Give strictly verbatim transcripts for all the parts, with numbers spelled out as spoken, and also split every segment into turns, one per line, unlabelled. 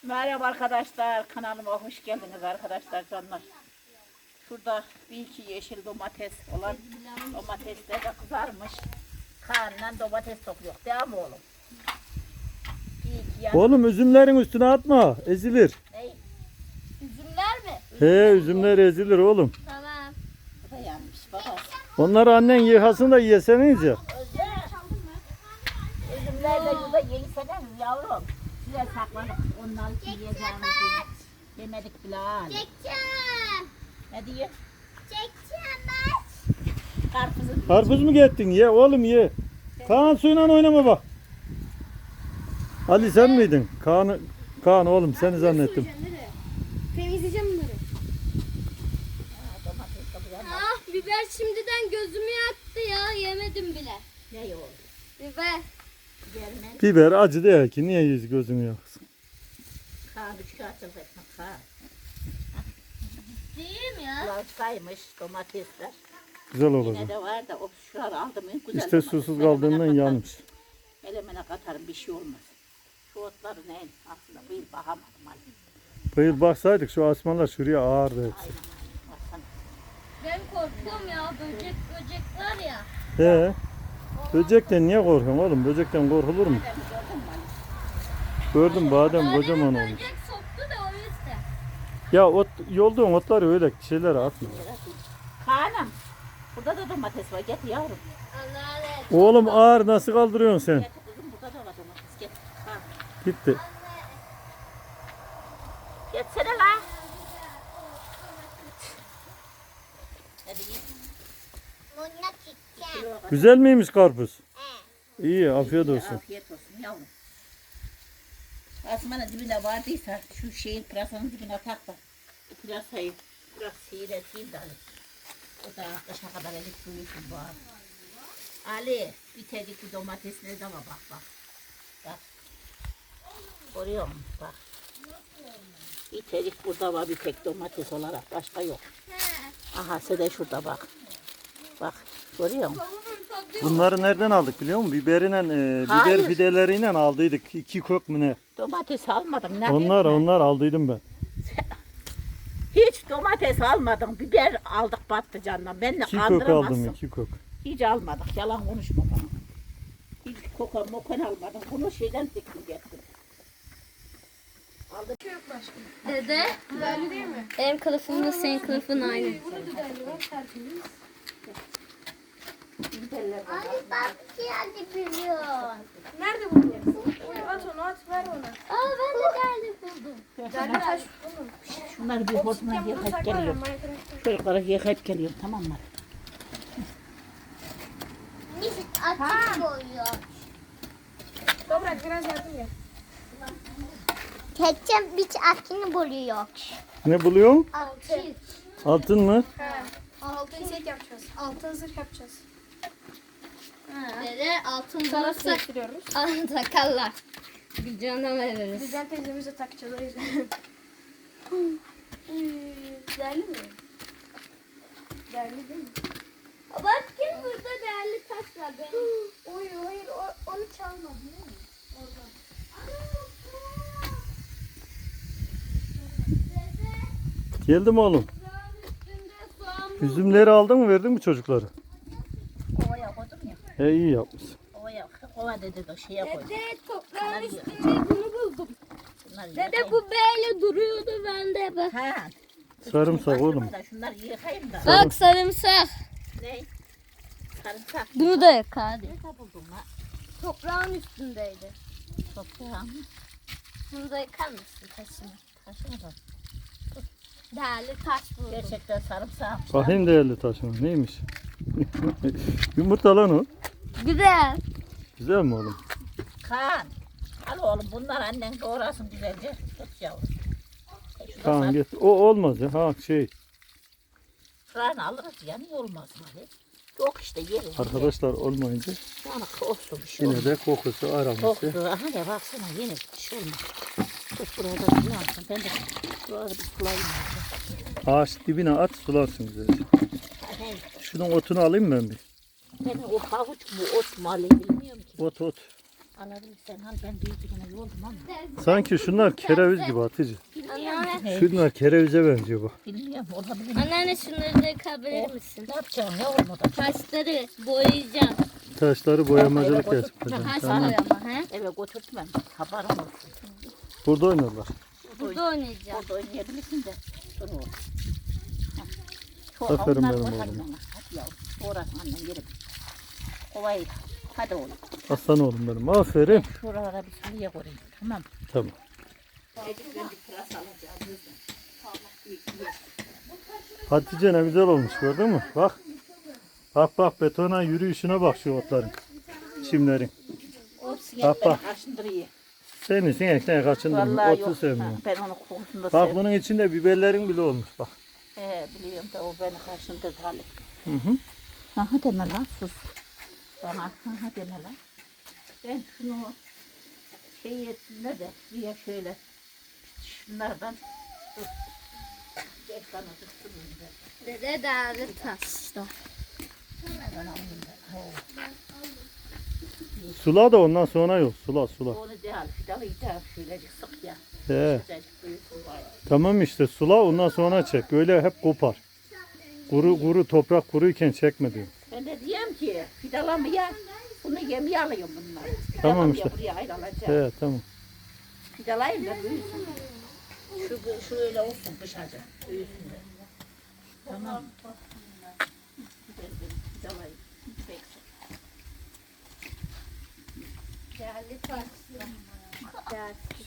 Merhaba arkadaşlar, kanalıma hoş geldiniz arkadaşlar canlar. Şurada bir iki yeşil domates olan domatesler de kızarmış. Kaan'la domates topluyor, değil mi oğlum? Bir iki yan...
Oğlum üzümlerin üstüne atma, ezilir.
Ne?
Üzümler mi?
He, üzümler ezilir oğlum.
Tamam.
Bu da yanmış babası.
Onları annen yıkasın da yeseniz ya.
Özlem. Üzümler de burada yeniseniz yavrum. Size sakladık, ondan yiyeceğimizi yemedik bile.
Çekeceğim.
Ne diyor?
Çekeceğim ben.
Karpuzun
Karpuz mu gettin? Ye oğlum ye. Kaan suyla oynama bak. Ali sen miydin? Kaan, Kaan oğlum seni zannettim.
Temizleyeceğim bunları.
domates de bu yana.
Ah biber şimdiden gözümü yaktı ya. Yemedim bile.
Ne yok?
Biber.
Gelmez.
Biber acı değil ki. Niye yüz gözünü yaksın?
Kaan üç kağıt etmek Kaan.
Değil mi ya?
Lavsaymış domatesler.
Güzel
Yine
olacak.
de var da o şuraları aldım en güzel.
İşte
domates.
susuz
Melemene
kaldığından
katarım.
yanmış.
Melemene katarım bir şey olmaz. Şu otları ne? Aslında bu yıl bakamadım Ali.
Bayıl baksaydık şu asmanlar şuraya ağırdı hepsi.
Aynen aynen. Baksana.
Ben korkuyorum ya. Böcek böcek var ya.
He. Böcekten niye korkuyorsun oğlum? Böcekten korkulur mu?
Nereden gördün mü Ali?
Gördüm badem kocaman
Bademe
olmuş.
böcek soktu da o yüzden.
Ya ot, yolduğun otları öyle şeylere atma.
Kaan'ım. Burada da domates var. Getir yavrum.
Anneanne.
Oğlum ağır nasıl kaldırıyorsun sen?
Getir kızım. Burada da var domates. Getir. Kaan.
Gitti.
Getsene la. Hadi git.
Bununla çekeceğim.
Güzel miymiş karpuz? İyi, afiyet olsun.
Afiyet olsun yavrum. Asmanın dibine vardıysa şu şeyin pırasanın dibine tak da bu pırasayı biraz seyreteyim de Ali. O da kışa kadar elik büyüsün bu abi. Ali bir tedikli domatesine de var bak bak. Bak. Görüyor musun? Bak. Bir tedik burada var bir tek domates olarak başka yok. Aha sen de şurada bak. Bak görüyor musun?
Bunları nereden aldık biliyor musun? Biberine, e, biber
Hayır.
fideleriyle aldıydık. İki kök mü ne?
Domates almadım. Ne
Onlar,
diyeyim ben?
onlar aldıydım ben.
Hiç domates almadım. Biber aldık patlıcandan. Ben de
İki kök
kandıramazsın.
aldım, iki kök.
Hiç almadık. Yalan konuşma bana. Hiç kokan mokan almadım. Bunu şeyden diktim getirdim. Aldım.
Dede.
Güzelli değil mi?
Benim kılıfımla senin kılıfın aynı.
Burada güzelli var, tertemiz.
Ay bak geldi biliyor.
Nerede buldun? At onu at, ver ona.
Aa ben de geldi buldum.
Derli taş buldum.
Şunları bir hortumla
Sen bunu
yıkayıp
sakla,
geliyorum.
Minecraft'ta.
Çocuklara yıkayıp geliyorum tamam mı?
Biz açık koyuyor.
Toprak biraz yardım gel.
Ketçap bir akını buluyor.
Ne buluyorsun?
Açık.
Altın mı?
He. Altın set yapacağız. Altın zırh yapacağız.
Dede altın
Sana
bulursak
sektiriyoruz.
ana takarlar. Bir cana veririz.
Güzel teyzemize takacağız o yüzden. Değerli mi? Değerli değil mi?
Bak kim burada değerli taş var benim.
Oy hayır o, onu çalmadı değil mi? Oradan.
Geldim oğlum. Üzümleri aldın mı verdin mi çocuklara?
Ovaya koydum ya.
He iyi yapmışsın.
Ovaya, ova dedi de şeye koydum.
Dede toprağın üstünde bunu buldum.
Bunları
Dede
yıkayayım.
bu böyle duruyordu bende bak.
Ha.
Sarımsak oğlum.
Da şunları yıkayayım da.
Bak sarımsak.
Ne? Sarımsak.
Bunu da yak hadi.
Ne buldun la?
Toprağın üstündeydi.
Toprağım.
Bunu da yıkar mısın taşını?
Taşını da.
Değerli taş buldum.
Gerçekten sarımsağım.
Bakayım değerli taşın. Neymiş? Yumurta lan o.
Güzel.
Güzel mi oğlum?
Kaan. Al oğlum bunlar annen doğrasın güzelce. Tut yavrum. E, şurada
Kaan
sar-
git. O olmaz ya. Ha şey.
Şuranı alırız ya niye olmaz mı? Ali? Yok işte yeriz.
Arkadaşlar olmayınca
Yani olsun bir şey
yine
olmaz.
de kokusu araması.
Koktu. Aha ya baksana yine bir şey olmaz. Tut buraya da sulansın. Ben de şurada bir sulayayım.
Ağaç dibine at sularsın güzelce.
Hey,
Şunun otunu alayım ben bir.
ben o havuç mu ot mu alayım bilmiyorum ki.
Ot ot.
Alabilirsen al, ben büyük birine yoldum ama.
Sanki şunlar kereviz gibi Hatice.
Anneanne,
Şunlar kerevize benziyor bak.
Bilmiyorum, olabilir.
anneanne şunları da yıkabilir misin?
Ne yapacağım, ne olmadı?
Taşları boyayacağım.
Taşları boyamacılık
Eve
yapacağım.
Taş
Tamam.
boyama he?
Eve götürtmem, haberim olsun.
Burada oynarlar.
Burada oynayacağım.
Orada oynayabilirsin de. Dur oğlum. Hah. Şu
Aferin
onlar
benim
var,
oğluma.
hadi bana. Hadi yavrum, uğraşma annem yerim. Ovayı, hadi oğlum.
Aslan oğlum benim. Aferin.
Şuralara bir sürüye koyayım, tamam.
Tamam. Hatice ne güzel olmuş gördün mü? Bak. Bak bak betona yürüyüşüne bak şu otların. Çimlerin.
O sinek
Bak,
beni
bak.
kaşındırıyor.
Senin sinekten kaçındın.
Vallahi
Otu
yok. Ha,
sevmiyorum.
ben onu kokusunu da
Bak
seviyorum.
bunun içinde biberlerin bile olmuş bak.
He, biliyorum da o beni kaşındırdı hali.
Hı hı.
Ha ha deme lan, sus. Bana ha ha deme lan. Ben şunu şey etsinler de diye şöyle şunlardan dur. Geç bana tuttum ben.
Dede değerli taşlar.
Ben alayım ben. He.
Sula da ondan sonra yok. Sula sula.
Onu değil, fidalı yiyeceğim şöylecik sık ya.
He.
Sıcacık büyüsün var.
Tamam işte sula ondan sonra çek. Öyle hep kopar. Kuru kuru toprak kuruyken çekme diyor.
Ben de diyeyim ki fidalamaya bunu yemeye alayım bunları.
Tamam
Fidalamaya
işte.
buraya ayrılacağım.
He tamam.
Fidalayayım da büyüsün. Şu, şu öyle olsun kışacık büyüsün de. Tamam. Güzel benim fidalayayım. Bekle.
Değerli taşlar. Değersiz.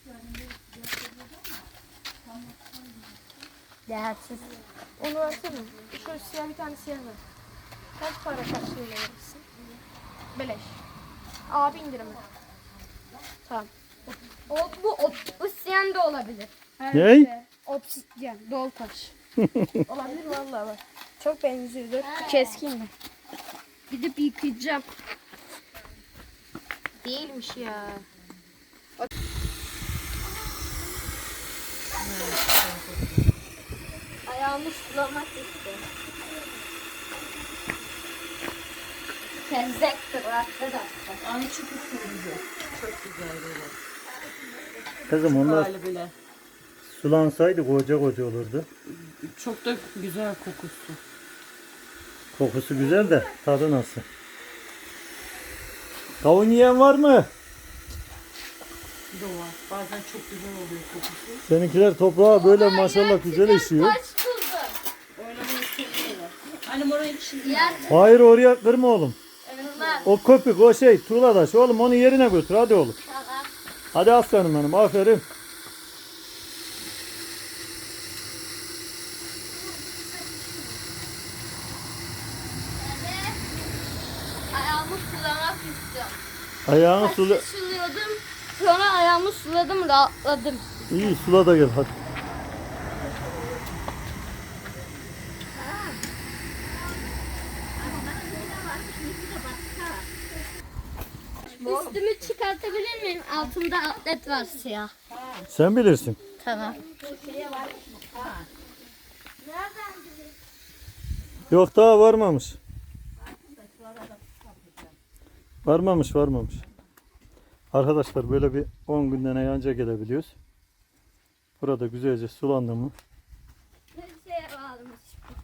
Değersiz.
Onu versene. Şu siyah bir tane siyah ver. Kaç para karşılığında verirsin? Beleş. Abi indirimi. Tamam.
O, bu obsidiyen de olabilir.
Her
Ney?
neyse. Obsidyen. Doğal taş. Olabilir vallahi bak. Çok benziyor. Dur. Keskin mi? Gidip yıkayacağım. Değilmiş ya.
Ayağımı sulamak istiyorum. Tezektir arkadaşlar.
Ay çok güzel. Çok güzel böyle.
Kızım onlar
Hali bile.
sulansaydı koca koca olurdu.
Çok da güzel kokusu.
Kokusu güzel de tadı nasıl? Kavun yiyen var mı?
Bir de var. Bazen çok güzel oluyor kokusu.
Seninkiler toprağa böyle maşallah güzel işiyor.
Taş buldum.
Oynamayı seviyorlar. Annem oraya içinde.
Yer
Hayır oraya kırma oğlum.
bunlar.
O köpük o şey tuğladaş oğlum onu yerine götür hadi oğlum.
Tamam.
Hadi aslanım benim aferin.
Ayağımı sulamak istiyorum.
Ayağını sula.
Taşı suluyordum. Sonra ayağımı suladım, rahatladım.
İyi sula da gel hadi.
Üstümü çıkartabilir miyim? Altımda atlet var siyah.
Sen bilirsin.
Tamam.
Yok daha varmamış. Varmamış varmamış. Arkadaşlar böyle bir on günden anca gelebiliyoruz. Burada güzelce sulandı mı?
Bir şeye bağlamış.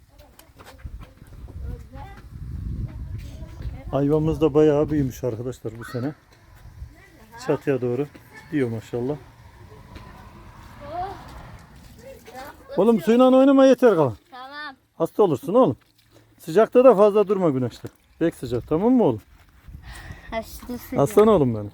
Ayvamız da bayağı büyümüş arkadaşlar bu sene. Çatıya doğru gidiyor maşallah. Oğlum suyla oynama yeter kalan.
Tamam.
Hasta olursun oğlum. Sıcakta da fazla durma güneşte. Pek sıcak tamam mı oğlum?
Haşlısı.
Aslan oğlum benim.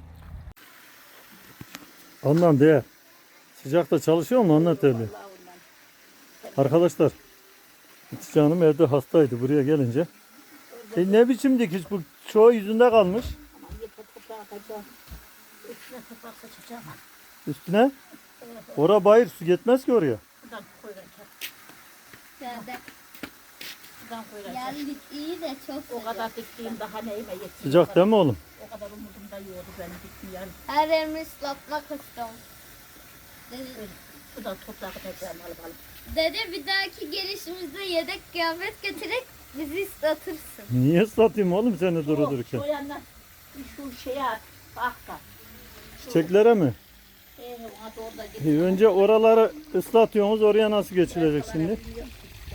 Ondan değer. Sıcakta çalışıyor mu anlat öyle. Arkadaşlar Hatice Hanım evde hastaydı buraya gelince. E ne biçim dikiş bu çoğu yüzünde kalmış.
Aman yeter toprağa atacağım. Üstüne toprak saçacağım.
Üstüne. Ora bayır su gitmez ki oraya.
Buradan koyacağım.
Geldik.
Buradan koyacağım.
Geldik iyi de çok
O kadar diktiğim daha neyime yetiyor.
Sıcak değil mi oğlum?
O kadar umudumda yiyordu benim dikmeyen.
her yerimi ıslatmak istiyorum. Dede,
Buradan toprak atacağım alıp alıp.
dede bir dahaki gelişimizde yedek kıyafet getirerek bizi ıslatırsın.
Niye ıslatayım oğlum seni duru dururken?
O yandan Bir şu şeye at. Bak bak.
Çiçeklere mi?
Ee, ona doğru da git.
E, önce oraları ıslatıyorsunuz. Oraya nasıl geçilecek şimdi?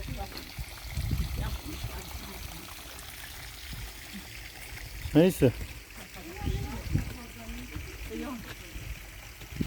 Neyse.